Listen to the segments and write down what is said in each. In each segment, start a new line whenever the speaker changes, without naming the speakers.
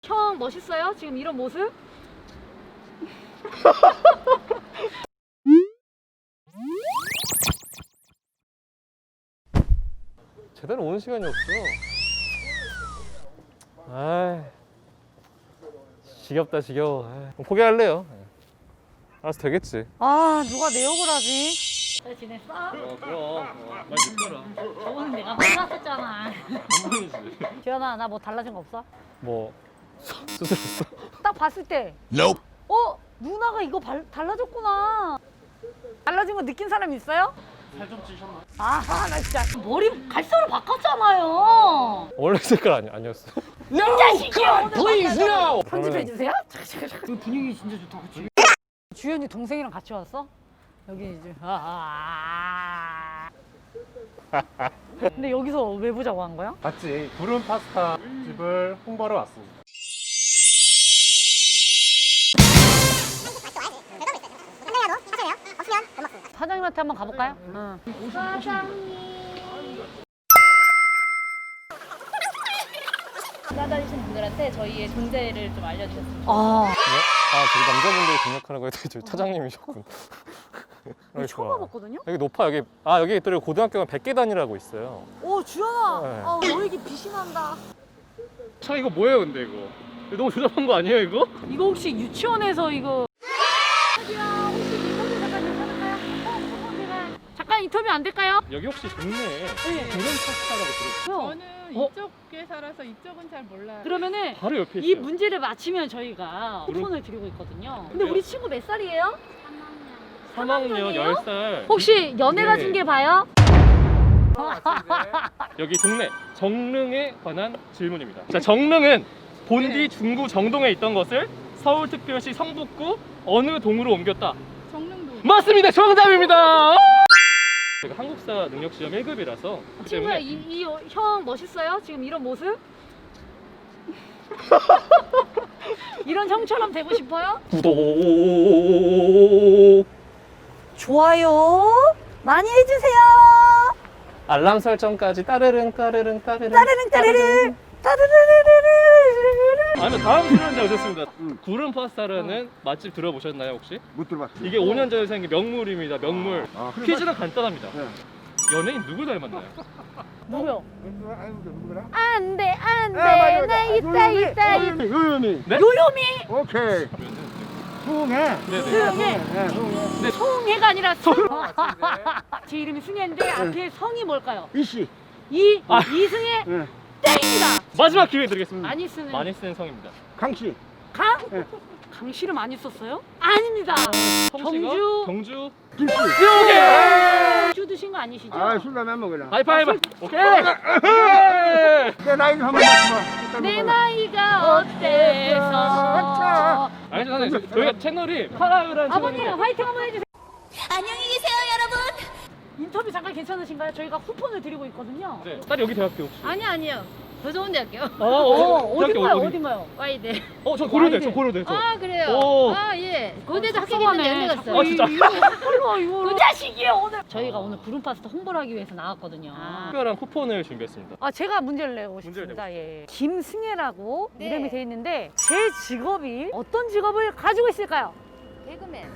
형 멋있어요? 지금 이런 모습?
제대로 오는 시간이 없어. 아이, 지겹다 지겨워. 아이, 포기할래요. 알아서 되겠지.
아 누가 내 욕을 하지? 잘 지냈어?
그럼 많이 늦더라.
저번에 내가 혼났었잖아.
한 번이지.
지연아 나 뭐 달라진 거 없어?
뭐 수술했어?
딱 봤을 때 누나가 이거 달라졌구나. 달라진 거 느낀 사람 있어요?
살 좀 찌셨나?
아하 나 진짜 머리 갈색으로 바꿨잖아요.
원래 색깔 아니었어.
이 자식이야.
Please no!
편집해주세요. 그 분위기 진짜 좋다 그치? 주연이 동생이랑 같이 왔어? 여기 이제 근데 여기서 왜 보자고 한 거야?
맞지. 구름 파스타 집을 홍보하러 왔습니다.
사장님한테 한번 가볼까요? 응.
찾아다니신 분들한테 저희의 존재를 좀 알려주셨으면
아,
저기 남자분들이 등록하는 거에 저기 차장님이셨군.
이거 처음 와봤거든요?
여기 높아 여기. 여기 또 고등학교가 백계단이라고 있어요.
오, 주연아.
네.
너 얘기 빛이 난다.
차 이거 뭐예요 근데 이거? 너무 조잡한 거 아니에요 이거?
이거 혹시 유치원에서 이거. 저기요, 혹시 인터뷰 잠깐 괜찮을까요? 제가 잠깐 인터뷰 안 될까요?
여기 혹시 동네에
네.
구름 파스타라고 들었어요?
저는
어?
이쪽에 살아서 이쪽은 잘 몰라요.
그러면은
바로 옆에 있어요.
이 문제를 맞히면 저희가 쿠폰을 드리고 있거든요. 근데 우리 친구 몇 살이에요?
3학년 10살.
혹시 연애가
네.
중계 봐요?
여기 동네 정릉에 관한 질문입니다. 자, 정릉은 본디 중구 정동에 있던 것을 서울특별시 성북구 어느 동으로 옮겼다?
정릉도.
맞습니다. 정답입니다. 제가 한국사 능력 시험 1급이라서
친구야, 이 형 멋있어요? 지금 이런 모습? 이런 형처럼 되고 싶어요?
구독
좋아요 많이 해주세요.
알람 설정까지 따르릉 따르릉 따르릉
따르릉 따르릉 따르르르르르르르.
아니면 다음 출연자 오셨습니다. 구름 파스타라는 맛집 들어보셨나요 혹시?
못 들어봤어.
이게 5년 전에 생긴 명물입니다. 명물.
그래,
퀴즈는 간단합니다.
네.
연예인 누구 닮았나요?
누구요?
누구라?
안돼 안돼
맞아,
나 있다 있다
요요미.
네?
요요미
오케이. 수홍해.
네네.
승혜
네, 수홍해.
송혜가 아니라 제 이름이 승혜인데 앞에 성이 뭘까요?
이씨.
이승혜
네.
땡입니다.
마지막 기회 드리겠습니다.
많이 쓰는
많이 쓰는 성입니다.
강씨.
강?
네.
강씨를 많이 썼어요? 아닙니다.
성씨가
경주.
경주.
김씨.
주 드신 거 아니시죠?
술 라면 먹으라.
하이파이브. 오케이.
내 나이 좀 한번 맞춰봐.
내 나이가 어때서?
아니 선생님 저희가 채널이 파라그란
아버님
채널인데
화이팅 한번 해주세요.
안녕히 계세요, 여러분.
인터뷰 잠깐 괜찮으신가요? 저희가 쿠폰을 드리고 있거든요.
네. 딸 여기 대학교 혹시?
아니요. 더 좋은 대학교.
어딘가요? 어딘가요?
와이대.
저 고려대 저 고려대 저.
아, 그래요?
오.
예. 고대도
어,
합격했는데 연대 갔어요.
아, 진짜?
이거 그 자식이에요 오늘. 저희가 오늘 구름 파스타 홍보를 하기 위해서 나왔거든요.
특별한 쿠폰을 준비했습니다.
제가 문제를 내고
문제를
싶습니다. 예. 김승혜라고
네.
이름이 돼 있는데 제 직업이 어떤 직업을 가지고 있을까요?
개그맨.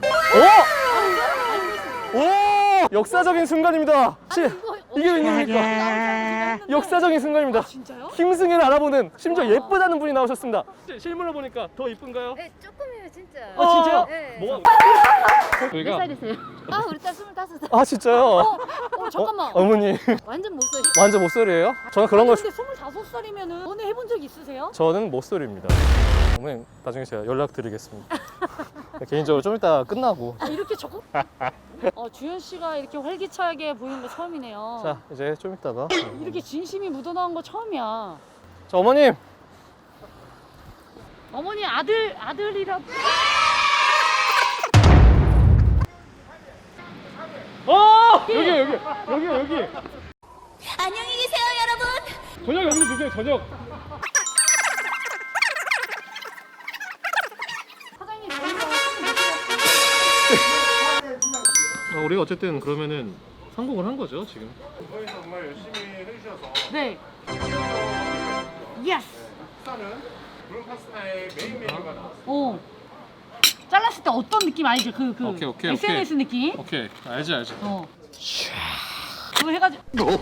오! 역사적인 순간입니다. 이게 웬일입니까? 역사적인 순간입니다.
진짜요?
김승혜를 알아보는 심지어 예쁘다는 분이 나오셨습니다. 실물로 보니까 더 이쁜가요?
네, 조금이에요, 진짜.
진짜요?
네.
뭐가?
몇
저희가
살이세요? 우리 딸 25살.
진짜요?
잠깐만.
어머니
완전 못소리.
완전 모쏠이에요? 저는 그런 거
근데 25살이면은 연애 해본 적 있으세요?
저는 모쏠입니다. 어머니 나중에 제가 연락드리겠습니다. 개인적으로 좀 이따 끝나고
이렇게 적극? 주현 씨가 이렇게 활기차게 보이는 거 처음이네요.
자 이제 좀 이따가
이렇게 진심이 묻어나온 거 처음이야.
자 어머님
어머니 아들이라.
여기
안녕히 계세요, 여러분.
저녁 여기서 드세요 저녁.
사장님
우리가 어쨌든 그러면은 성공을 한 거죠 지금.
정말 열심히 해주셔서
네. 예스.
식사는 브룬 파스타의 메인 메뉴가 나왔어.
어. 잘랐을 때 어떤 느낌 알지? 그
오케이,
SNS 느낌.
오케이, 알지.
어. 그거 해가지고.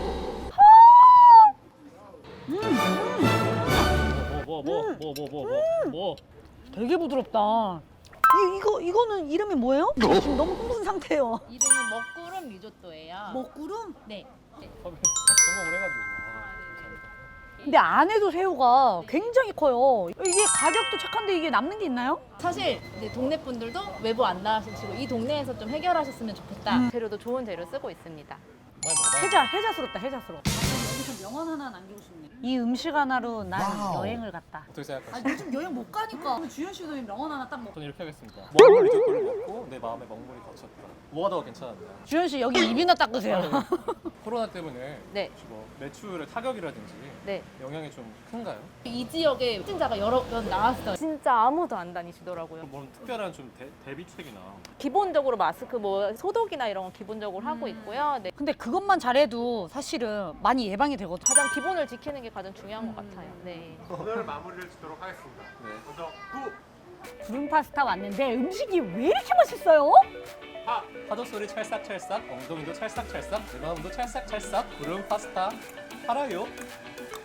뭐.
되게 부드럽다. 이거는 이름이 뭐예요? 지금 너무 흥분 상태예요.
이름은 먹구름 리조또예요.
먹구름?
네.
성공을 해가지고.
근데 안에도 새우가 굉장히 커요. 이게 가격도 착한데 이게 남는 게 있나요?
사실 이제 동네 분들도 외부 안 나가시고 이 동네에서 좀 해결하셨으면 좋겠다. 재료도 좋은 재료 쓰고 있습니다.
해자스럽다. 여기서 명언 하나 남기고 싶네. 이 음식 하나로 난 여행을 갔다.
어떻게 생각하세요?
요즘 여행 못 가니까 주현 씨도 명언 하나 딱 먹.
저는 이렇게 하겠습니다. 먹물 리조또를 먹고 내 마음에 먹물이 걷혔다. 뭐가 더 괜찮았나요?
주현 씨 여기 입이나 닦으세요.
코로나 때문에
네.
혹시 뭐 매출의 타격이라든지
네.
영향이 좀 큰가요?
이 지역에 확진자가 여러 번 나왔어요. 진짜 아무도 안 다니시더라고요.
뭐 특별한 좀 대비책이나
기본적으로 마스크 뭐 소독이나 이런 건 기본적으로 하고 있고요. 네.
근데 그것만 잘해도 사실은 많이 예방이 되거든.
가장 기본을 지키는 게 가장 중요한 것 같아요. 네.
오늘 마무리를 짓도록 하겠습니다.
네.
먼저 구.
구름 파스타 왔는데 음식이 왜 이렇게 맛있어요?
파도 소리 찰싹찰싹, 엉덩이도 찰싹찰싹, 내 마음도 찰싹찰싹, 구름 파스타 팔아요.